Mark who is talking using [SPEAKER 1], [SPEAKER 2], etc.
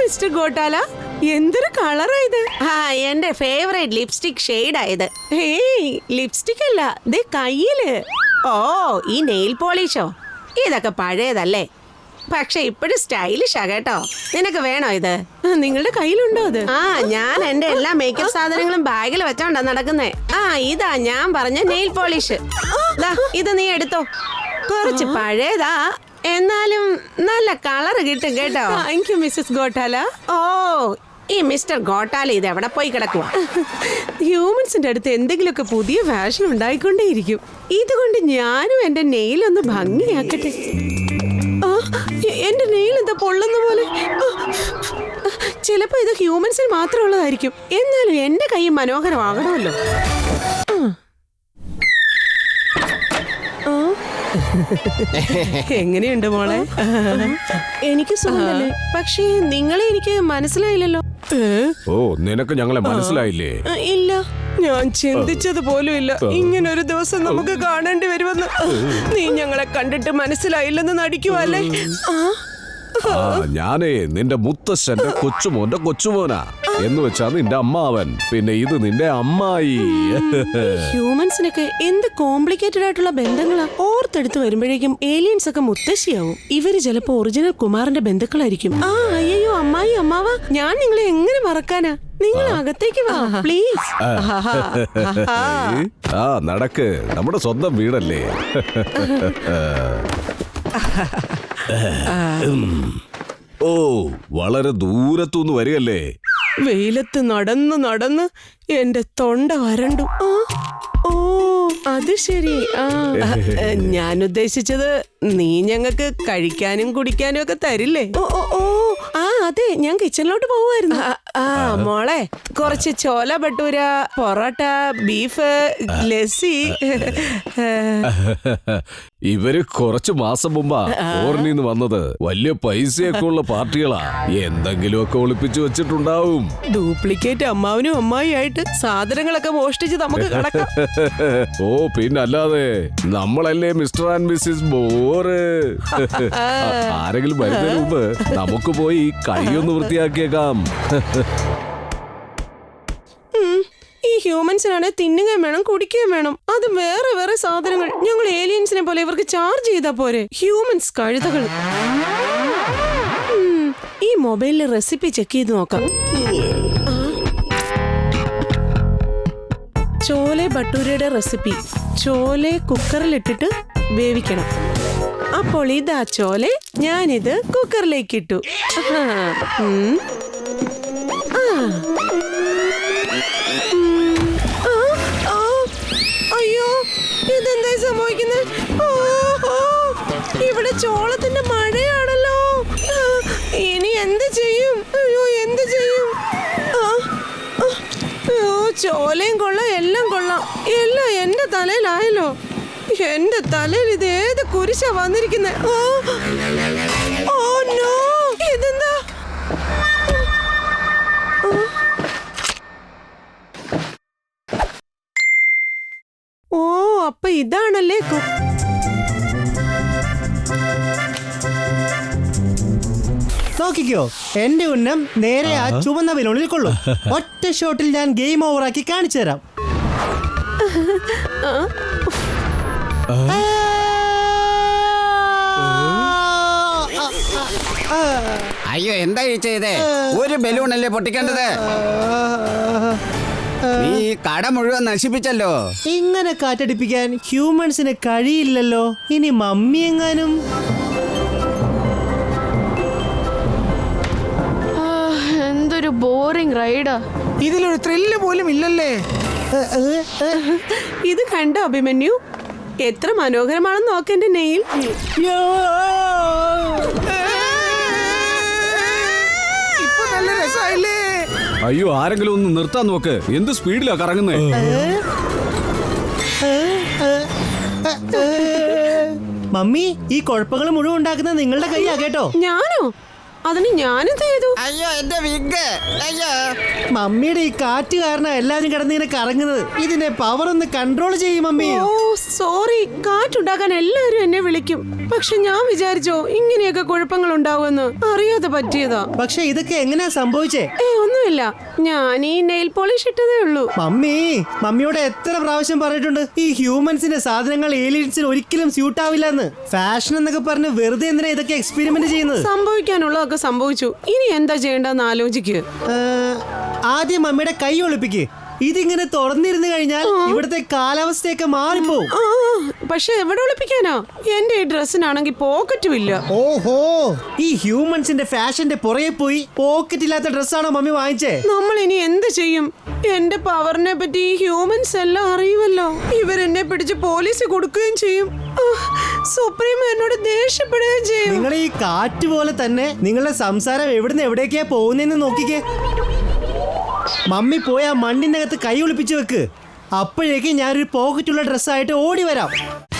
[SPEAKER 1] Mister ഗോട്ടാല, എന്തൊരു കളറാ ഇത്? എന്റെ ഫേവറേറ്റ് ലിപ്സ്റ്റിക് ഷെയ്ഡായത്. ഹേയ്, ലിപ്സ്റ്റിക് അല്ല, ദേ കയ്യില്. ഓ, ഈ നെയിൽ പോളിഷോ? ഇതൊക്കെ പഴയതല്ലേ, പക്ഷെ ഇപ്പോഴും സ്റ്റൈലിഷാ കേട്ടോ. നിനക്ക് വേണോ ഇത്? നിങ്ങളുടെ കയ്യിലുണ്ടോ അത്? ഞാൻ എന്റെ എല്ലാ മേക്കപ്പ് സാധനങ്ങളും ബാഗിൽ വെച്ചോണ്ടാ നടക്കുന്നേ. ഇതാ ഞാൻ പറഞ്ഞ നെയിൽ പോളിഷ്. ഇത് നീ എടുത്തോ. കുറച്ച് പഴയതാ, എന്നാലും നല്ല കളർ കിട്ടും കേട്ടോ. Thank you Mrs Gottala. ഓ, ഈ മിസ്റ്റർ ഗോട്ടാല ഇത് എവിടെ പോയി കിടക്കുക? ഹ്യൂമൻസിന്റെ അടുത്ത് എന്തെങ്കിലുമൊക്കെ പുതിയ ഫാഷൻ ഉണ്ടായിക്കൊണ്ടേയിരിക്കും. ഇതുകൊണ്ട് ഞാനും എന്റെ നെയിലൊന്ന് ഭംഗിയാക്കട്ടെ. എന്റെ നെയിൽ എന്താ പൊള്ളുന്ന പോലെ? ചിലപ്പോ ഇത് ഹ്യൂമൻസിന് മാത്രമുള്ളതായിരിക്കും. എന്നാലും എന്റെ കൈ മനോഹരമാകണമല്ലോ. എങ്ങനെയുണ്ട് മോളെ? എനിക്ക് സുഖമല്ലേ, പക്ഷേ നിങ്ങളെ എനിക്ക് മനസ്സിലായില്ലല്ലോ.
[SPEAKER 2] ഓ, നിനക്ക് ഞങ്ങളെ മനസ്സിലായില്ലേ?
[SPEAKER 1] ഇല്ല, ഞാൻ ചിന്തിച്ചത് പോലും ഇല്ല ഇങ്ങനൊരു ദിവസം നമുക്ക് കാണേണ്ടി വരുമെന്ന്. നീ ഞങ്ങളെ കണ്ടിട്ട് മനസ്സിലായില്ലെന്ന് നടിക്കുവല്ലേ?
[SPEAKER 2] ഞാനേ നിന്റെ മുത്തശ്ശന്റെ കൊച്ചുമോന്റെ കൊച്ചുമോനാ. എന്ന് വെച്ചാ നിന്റെ അമ്മാവൻ. പിന്നെ ഇത് നിന്റെ അമ്മായി.
[SPEAKER 1] ഹ്യൂമൻസിനൊക്കെ എന്ത് കോംപ്ലിക്കേറ്റഡ് ആയിട്ടുള്ള ബന്ധങ്ങളാ. ഓർത്തെടുത്ത് വരുമ്പോഴേക്കും ഏലിയൻസ് ഒക്കെ മുത്തശ്ശിയാവും. ഇവര് ചിലപ്പോ ഒറിജിനൽ കുമാറിന്റെ ബന്ധുക്കളായിരിക്കും. അയ്യോ അമ്മായി, അമ്മാവ, ഞാൻ നിങ്ങളെ എങ്ങനെ മറക്കാനാ? നിങ്ങൾ അകത്തേക്ക് വാ പ്ലീസ്.
[SPEAKER 2] നടക്ക്, നമ്മുടെ സ്വന്തം വീടല്ലേ. ഓ, വളരെ ദൂരത്തുനിന്ന് വരികയല്ലേ?
[SPEAKER 1] വെയിലത്ത് നടന്ന് നടന്ന് എന്റെ തൊണ്ട വരണ്ടു. ഓ, അത് ശരി. ഞാൻ ഉദ്ദേശിച്ചത് നീ ഞങ്ങൾക്ക് കഴിക്കാനും കുടിക്കാനും ഒക്കെ തരില്ലേ? ഓ, അതെ, ഞാൻ കിച്ചണിലോട്ട് പോവായിരുന്നു. മോളെ, കുറച്ച് ചോല ഭട്ടൂര, പൊറോട്ട, ബീഫ്, ലസ്സി.
[SPEAKER 2] ഇവര് കുറച്ചു മാസം മുമ്പാ ഫോറിനിന്ന് വന്നത്. വലിയ പൈസയൊക്കെ ഉള്ള പാർട്ടികളാ. എന്തെങ്കിലുമൊക്കെ ഒളിപ്പിച്ചു വെച്ചിട്ടുണ്ടാവും.
[SPEAKER 1] ഡ്യൂപ്ലിക്കേറ്റ് അമ്മാവനും അമ്മായി ആയിട്ട് സാധനങ്ങളൊക്കെ മോഷ്ടിച്ച് നമുക്ക് കടക്കാം.
[SPEAKER 2] ഓ, പിന്നല്ലാതെ നമ്മളല്ലേ മിസ്റ്റർ ആൻഡ് മിസ്സിസ് ബോറ്. ആരെങ്കിലും വരുന്നതിന് മുമ്പ് നമുക്ക് പോയി കൈയൊന്ന് വൃത്തിയാക്കിയേക്കാം.
[SPEAKER 1] ഈ ഹ്യൂമൻസിനാണെ തിന്നുകയും വേണം, കുടിക്കുകയും വേണം. അത് വേറെ വേറെ സാധനങ്ങൾ. ഞങ്ങൾ ഏലിയൻസിനെ പോലെ ഇവർക്ക് ചാർജ് ചെയ്താ പോരെ? ഹ്യൂമൻസ് കഴുതകൾ. ഈ മൊബൈലിൽ റെസിപ്പി ചെക്ക് ചെയ്ത് നോക്കാം. ചോലെ ഭട്ടൂരയുടെ റെസിപ്പി. ചോലെ കുക്കറിലിട്ടിട്ട് വേവിക്കണം. അപ്പോൾ ഇതാ ചോലെ, ഞാനിത് കുക്കറിലേക്ക് ഇട്ടു. അയ്യോ, ഇതെന്തായി സംഭവിക്കുന്നത്? ഇവിടെ ചോളത്തിന്റെ മഴയാണല്ലോ. ഇനി എന്ത് ചെയ്യും? അയ്യോ, എന്ത് ചെയ്യും? അയ്യോ, ചോലയും കൊള്ളാം, എല്ലാം കൊള്ളാം. എല്ലാം എന്റെ തലയിലായല്ലോ. എന്റെ തലയിൽ ഇത് ഏത് കുരിശാ വന്നിരിക്കുന്നത്? ഓ നോ, ഇതെന്താ? ഓ, അപ്പൊ ഇതാണല്ലേ
[SPEAKER 3] നോക്കിക്കോ, എന്റെ ഉന്നം നേരെ ആ ചുവന്ന ബലൂണിൽ കൊള്ളും. ഒറ്റ ഷോട്ടിൽ ഞാൻ ഗെയിം ഓവറാക്കി കാണിച്ചു തരാം.
[SPEAKER 4] അയ്യോ, എന്താ ചെയ്തേ? ഒരു ബലൂണല്ലേ പൊട്ടിക്കേണ്ടത്? നീ കട മുഴുവൻ നശിപ്പിച്ചല്ലോ.
[SPEAKER 3] ഇങ്ങനെ കാറ്റടിപ്പിക്കാൻ ഹ്യൂമൻസിന് കഴിയില്ലല്ലോ. ഇനി മമ്മി എങ്ങാനും.
[SPEAKER 5] എന്തൊരു ബോറിംഗ് റൈഡാ.
[SPEAKER 6] ഇതിലൊരു ത്രില്ല് പോലും ഇല്ലല്ലേ.
[SPEAKER 1] ഇത് കണ്ടോ അഭിമന്യു? എത്ര മനോഹരമാണെന്ന് നോക്കെന്റെ നെയിൽ.
[SPEAKER 6] ഇപ്പൊ നല്ല രസമായില്ലേ?
[SPEAKER 2] അയ്യോ, ആരെങ്കിലും ഒന്ന് നിർത്താൻ നോക്ക്. എന്ത് സ്പീഡിലാ കറങ്ങുന്നേ?
[SPEAKER 3] മമ്മി, ഈ കുഴപ്പങ്ങൾ മുഴുവൻ ഉണ്ടാക്കുന്നത് നിങ്ങളുടെ കൈയാ കേട്ടോ.
[SPEAKER 1] ഞാനോ? അതിന് ഞാനെന്ത് ചെയ്തു?
[SPEAKER 4] അയ്യോ, എന്റെ വിഗ്. അയ്യോ,
[SPEAKER 3] മമ്മിയുടെ ഈ കാറ്റ് കാരണം എല്ലാവരും കിടന്നിങ്ങനെ കറങ്ങുന്നത്. ഇതിന്റെ പവർ ഒന്ന് കൺട്രോൾ ചെയ്യും മമ്മി.
[SPEAKER 1] ഓ സോറി, കാറ്റുണ്ടാക്കാൻ എല്ലാവരും എന്നെ വിളിക്കും. പക്ഷെ ഞാൻ വിചാരിച്ചോ ഇങ്ങനെയൊക്കെ കുഴപ്പങ്ങൾ ഉണ്ടാവുമെന്ന്. അറിയാതെ പറ്റിയതാ.
[SPEAKER 3] പക്ഷെ ഇതൊക്കെ എങ്ങനെയാ സംഭവിച്ചേ?
[SPEAKER 1] ഒന്നുമില്ല, ഞാൻ ഈ നെയിൽ പോളിഷ് ഇട്ടതേ ഉള്ളൂ.
[SPEAKER 3] മമ്മിയോട് എത്ര പ്രാവശ്യം പറഞ്ഞിട്ടുണ്ട് ഈ ഹ്യൂമൻസിന്റെ സാധനങ്ങൾ ഏലിയൻസിന് ഒരിക്കലും സ്യൂട്ട് ആവില്ല എന്ന്. ഫാഷൻ എന്നൊക്കെ പറഞ്ഞ് വെറുതെ എന്തിനാ ഇതൊക്കെ എക്സ്പെരിമെന്റ് ചെയ്യുന്നത്?
[SPEAKER 1] സംഭവിക്കാനുള്ളതൊക്കെ സംഭവിച്ചു. ഇനി എന്താ ചെയ്യേണ്ടെന്ന് ആലോചിക്കുക.
[SPEAKER 3] ആദ്യം മമ്മിയുടെ കൈ ഒളിപ്പിക്ക്. ഇതിങ്ങനെ തുറന്നിരുന്നു കഴിഞ്ഞാൽ ഇവിടുത്തെ കാലാവസ്ഥയൊക്കെ മാറിപ്പോവും.
[SPEAKER 1] പക്ഷെ എവിടെ ഒളിപ്പിക്കാനാ? എന്റെ ഈ ഡ്രസ്സിനാണെങ്കിൽ പോക്കറ്റും ഇല്ല.
[SPEAKER 3] ഓഹോ, ഈ ഹ്യൂമൻസിന്റെ ഫാഷന്റെ പുറകെ പോയി പോക്കറ്റ് ഇല്ലാത്ത ഡ്രസ്സാണോ മമ്മി വാങ്ങിച്ചേ?
[SPEAKER 1] നമ്മൾ ഇനി എന്ത് ചെയ്യും? എന്റെ പവറിനെ പറ്റി ഈ ഹ്യൂമൻസ് എല്ലാം അറിയുമല്ലോ. ഇവരെന്നെ പിടിച്ച് പോലീസ് കൊടുക്കുകയും ചെയ്യും. സുപ്രീം എന്നോട് ദേഷ്യപ്പെടുകയും ചെയ്യും.
[SPEAKER 3] നിങ്ങൾ ഈ കാറ്റ് പോലെ തന്നെ നിങ്ങളുടെ സംസാരം എവിടുന്ന് എവിടേക്കാ പോകുന്നതെന്ന് നോക്കിക്കേ. മമ്മി പോയി ആ മണ്ണിനകത്ത് കൈ ഒളിപ്പിച്ചു വെക്ക്. അപ്പോഴേക്കും ഞാനൊരു പോക്കറ്റുള്ള ഡ്രസ്സായിട്ട് ഓടി വരാം.